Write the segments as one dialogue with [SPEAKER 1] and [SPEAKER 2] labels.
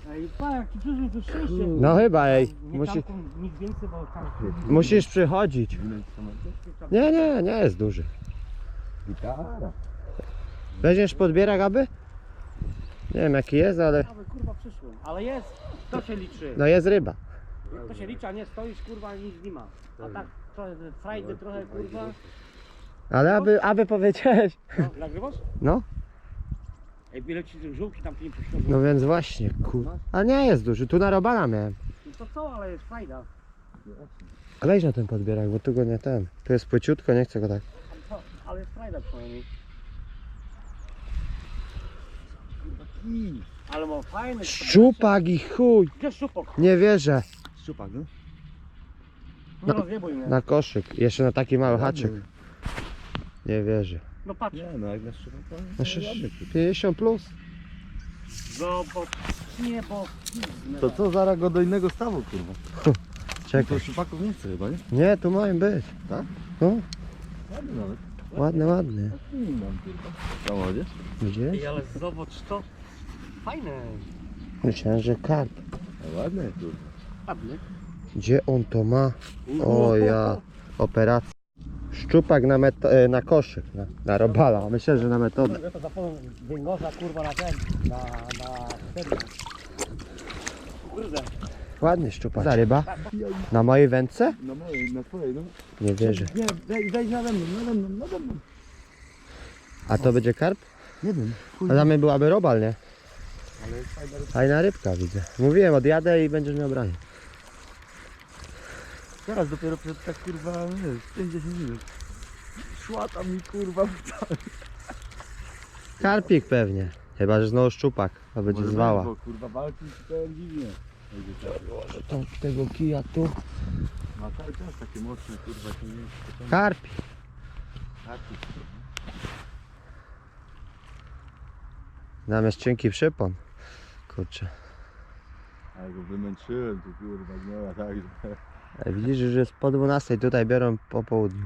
[SPEAKER 1] Ej, pa, jak ci przyszło to szczęście.
[SPEAKER 2] No chyba, ej.
[SPEAKER 1] Nie nic więcej, bo tam...
[SPEAKER 2] Musisz przychodzić. Nie jest duży.
[SPEAKER 3] Gitara.
[SPEAKER 2] Weźmiesz podbierak, aby? Nie wiem jaki jest, ale
[SPEAKER 1] Ale kurwa przyszło. Ale jest, to się liczy.
[SPEAKER 2] no jest ryba.
[SPEAKER 1] To się liczy, a nie stoisz kurwa i nic nie ma. A tak trochę frajdy, trochę kurwa.
[SPEAKER 2] Ale aby powiedziałeś.
[SPEAKER 1] No, nagrywasz?
[SPEAKER 2] No,
[SPEAKER 1] Ej, ile ci tych żółki tam nie puścią.
[SPEAKER 2] no więc właśnie, A nie jest duży, tu na robala miałem.
[SPEAKER 1] No to co, ale jest frajda.
[SPEAKER 2] Weź na ten podbierak, bo tu go nie ten. Tu jest płyciutko, nie chcę go tak.
[SPEAKER 1] Ale jest frajda przynajmniej. Ale ma fajny.
[SPEAKER 2] Szczupak i chuj.
[SPEAKER 1] Gdzie szczupak?
[SPEAKER 2] Nie wierzę.
[SPEAKER 3] Szczupak, no?
[SPEAKER 1] Nie rozjebuj mnie.
[SPEAKER 2] Na koszyk, jeszcze na taki mały haczyk. Nie wierzę.
[SPEAKER 1] No patrz.
[SPEAKER 3] Nie, no jak na szczupaka.
[SPEAKER 2] No 50 plus.
[SPEAKER 1] Zobacz. Nie, bo...
[SPEAKER 3] To co, zaraz go do innego stawu, kurwa.
[SPEAKER 2] Czekaj.
[SPEAKER 3] To szczupaków nie chce chyba, nie?
[SPEAKER 2] Nie, tu mają być.
[SPEAKER 3] Tak?
[SPEAKER 2] No,
[SPEAKER 3] Ładny nawet.
[SPEAKER 2] ładny.
[SPEAKER 3] Nie mam, kurwa. Samochodziesz?
[SPEAKER 2] Gdzie?
[SPEAKER 1] Ej, ale zobacz to. Fajne.
[SPEAKER 2] Myślałem, że karp.
[SPEAKER 3] A ładny, kurwa.
[SPEAKER 1] Ładny.
[SPEAKER 2] Gdzie on to ma? O ja, operacja. Szczupak na koszyk, na robala. Myślę, że na metodę.
[SPEAKER 1] Ja to zapomnę węgorza kurwa na ten. Na ten. Kurde.
[SPEAKER 2] Ładny szczupak. Za ryba? Na mojej wędce?
[SPEAKER 3] Na mojej, na twojej, no.
[SPEAKER 2] Nie wierzę.
[SPEAKER 3] Nie, wejdź nade mną, nade mną, nade mną.
[SPEAKER 2] A to będzie karp?
[SPEAKER 3] Nie wiem,
[SPEAKER 2] A dla mnie byłaby robal, nie?
[SPEAKER 3] ale jest fajna ryba.
[SPEAKER 2] Fajna rybka widzę. Mówiłem, odjadę i będziesz miał branie.
[SPEAKER 3] Teraz dopiero przed tak, kurwa, nie wiem, 5-10 minut. Szła tam mi, kurwa,
[SPEAKER 2] Karpik pewnie. Chyba, że znowu szczupak, a będzie zwała.
[SPEAKER 3] Bo, kurwa, walki to dziwnie.
[SPEAKER 2] Może tą tego kija tu.
[SPEAKER 3] Ma cały czas takie mocne, kurwa, to nie jest
[SPEAKER 2] Karpik. Zamiast cienki przypon. Kurczę.
[SPEAKER 3] A go wymęczyłem, tu kurwa, gnęła tak, że...
[SPEAKER 2] Widzisz, że jest po 12, tutaj biorą po południu.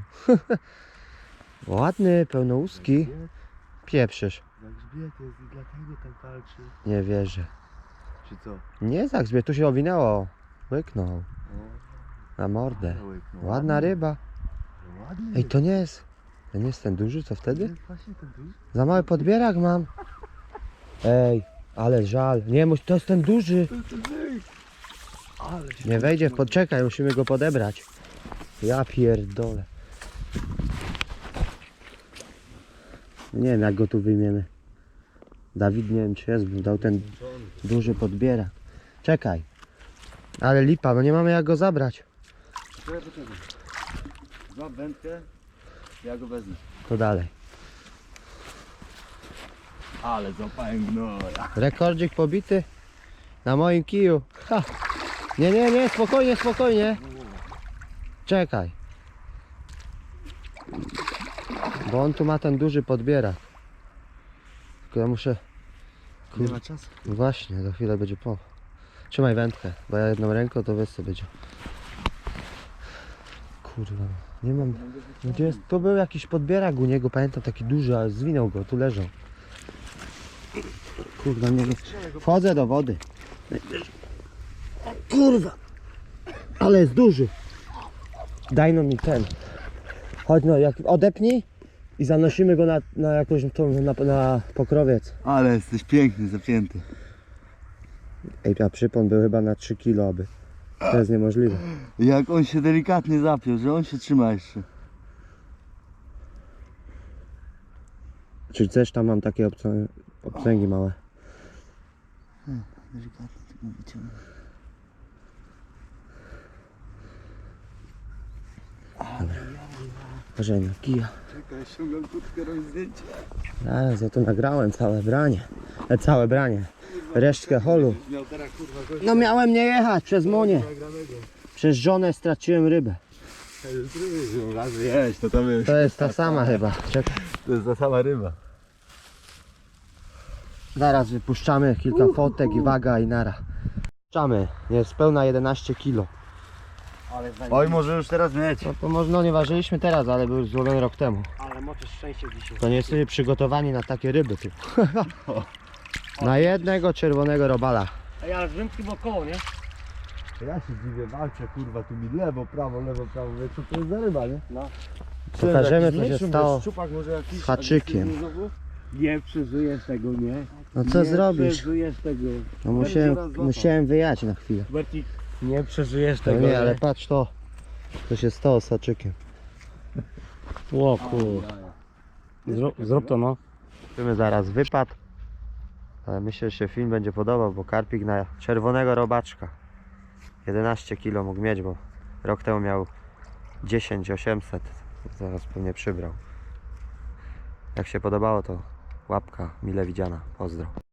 [SPEAKER 2] Ładny, pełnouski. Pieprzysz.
[SPEAKER 3] Jak grzbiet jest i dlatego tak walczy.
[SPEAKER 2] Nie wierzę.
[SPEAKER 3] Czy co?
[SPEAKER 2] Nie tak grzbiet, tu się owinęło. Łyknął.
[SPEAKER 3] O,
[SPEAKER 2] Na mordę.
[SPEAKER 3] no,
[SPEAKER 2] Ładna ryba.
[SPEAKER 3] Ładny.
[SPEAKER 2] Ej, to nie jest. To nie jest ten duży, co
[SPEAKER 3] To
[SPEAKER 2] wtedy?
[SPEAKER 3] jest właśnie ten duży.
[SPEAKER 2] Za mały podbierak mam. Ej, ale żal. Nie, to jest ten duży.
[SPEAKER 3] Ale się
[SPEAKER 2] Nie wejdzie w podczekaj, musimy go podebrać. Ja pierdolę. Nie wiem jak go tu wyjmiemy. Dawid nie wiem czy jest, bo dał ten duży podbierak. Czekaj. Ale lipa, no nie mamy jak go zabrać.
[SPEAKER 3] Poczekaj. Złap wędkę, ja go wezmę.
[SPEAKER 2] To dalej.
[SPEAKER 3] Ale złapałem gnoja.
[SPEAKER 2] Rekordzik pobity na moim kiju. Ha. Nie, spokojnie, spokojnie. Czekaj. Bo on tu ma ten duży podbierak. Tylko ja muszę...
[SPEAKER 3] Nie ma czasu.
[SPEAKER 2] Właśnie, za chwilę będzie po. Trzymaj wędkę, bo ja jedną ręką to wiesz co będzie. Kurwa, nie mam... Gdzie jest? Tu był jakiś podbierak u niego, pamiętam taki duży, ale zwinął go, tu leżał. Kurwa, nie wiem. Wchodzę do wody. O, kurwa! Ale jest duży. Daj no mi ten. Chodź no, jak odepnij i zanosimy go na jakąś tą, na pokrowiec.
[SPEAKER 3] Ale jesteś piękny, zapięty.
[SPEAKER 2] Ej, a przypon był chyba na 3 kilo, aby. To jest niemożliwe.
[SPEAKER 3] Jak on się delikatnie zapiął, że on się trzyma jeszcze.
[SPEAKER 2] Czyli też tam mam takie obcęgi małe.
[SPEAKER 3] Delikatnie tylko wyciągnę.
[SPEAKER 2] Może na kija.
[SPEAKER 3] Czekaj, ściągam kurtkę, robię zdjęcie.
[SPEAKER 2] Zaraz, ja to nagrałem całe branie. Całe branie. Resztkę holu.
[SPEAKER 3] Miał teraz kurwa gościa
[SPEAKER 2] No miałem nie jechać przez Monię.
[SPEAKER 3] nagranego.
[SPEAKER 2] Przez żonę straciłem rybę.
[SPEAKER 3] Razy jeść, to tam jest.
[SPEAKER 2] To jest ta sama chyba. Czekaj.
[SPEAKER 3] To jest ta sama ryba.
[SPEAKER 2] Zaraz wypuszczamy kilka fotek i waga i nara. Puszczamy. Jest pełna 11 kilo.
[SPEAKER 1] Ale
[SPEAKER 3] Oj, może już teraz mieć.
[SPEAKER 2] No to może no nie ważyliśmy teraz, ale był złowiony rok temu.
[SPEAKER 1] Ale moczysz szczęście dzisiaj.
[SPEAKER 2] To nie jesteśmy przygotowani na takie ryby tu. Na jednego czerwonego robala.
[SPEAKER 1] Ej, ale z wędki wokoło, nie?
[SPEAKER 3] Ja się dziwię, walczę kurwa, tu mi lewo, prawo, wie co to jest za ryba, nie?
[SPEAKER 1] No.
[SPEAKER 2] Pokażemy,
[SPEAKER 3] Jakiś
[SPEAKER 2] co się
[SPEAKER 3] mniejszy,
[SPEAKER 2] stało
[SPEAKER 3] mówię, szczupak może jakiś,
[SPEAKER 2] z haczykiem.
[SPEAKER 3] agresywny znowu?
[SPEAKER 1] Nie przeżyjesz tego, nie?
[SPEAKER 2] No co
[SPEAKER 1] nie
[SPEAKER 2] zrobisz?
[SPEAKER 1] przeżyjesz tego.
[SPEAKER 2] No musiałem wyjechać na chwilę.
[SPEAKER 1] Bercik, nie przeżyjesz
[SPEAKER 2] No
[SPEAKER 1] tego.
[SPEAKER 2] nie, ale patrz to. Co się stało z haczykiem.
[SPEAKER 1] O kur... Zrób to, no.
[SPEAKER 2] Zobaczymy zaraz wypad. Ale myślę, że się film będzie podobał, bo karpik na czerwonego robaczka 11 kg mógł mieć, bo rok temu miał 10 800. Zaraz pewnie przybrał. Jak się podobało, to łapka mile widziana. Pozdro.